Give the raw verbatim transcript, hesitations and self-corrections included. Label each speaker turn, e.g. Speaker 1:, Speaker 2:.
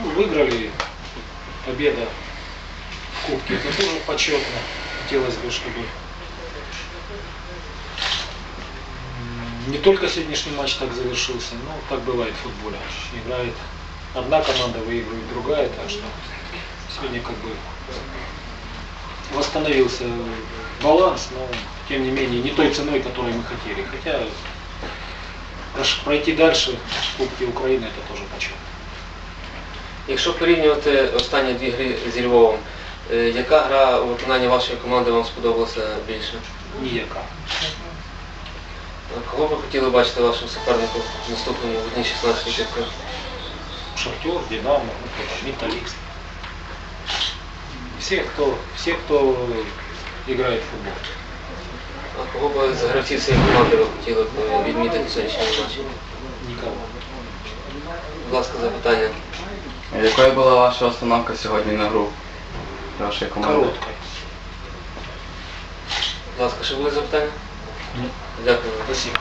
Speaker 1: Ну, выиграли, победа в Кубке, это тоже почетно. Хотелось бы, чтобы не только сегодняшний матч так завершился, но так бывает в футболе. Играет одна команда, выигрывает другая, так что сегодня как бы восстановился баланс, но тем не менее не той ценой, которой мы хотели. Хотя пройти дальше в Кубке України это тоже почетно.
Speaker 2: Якщо порівнювати останні дві гри зі Львовом, яка гра у виконанні вашої команди вам сподобалася більше?
Speaker 1: Ніяка.
Speaker 2: Кого ви хотіли бачити вашим суперником в наступному в одній шістнадцятій кубку?
Speaker 1: Шахтер, Динамо, Металлист. Все, кто, все, кто играет в футбол.
Speaker 2: А кого б з гравців цієї команди ви хотіли б відмітити в сьогоднішньому матчі?
Speaker 1: Никого.
Speaker 2: Будь ласка, запитання.
Speaker 3: Якою була ваша установка сьогодні на гру вашої команди?
Speaker 1: Короткой.
Speaker 2: Будь ласка, ще були запитання?
Speaker 1: Ні.
Speaker 2: Дякую.
Speaker 1: Спасибо.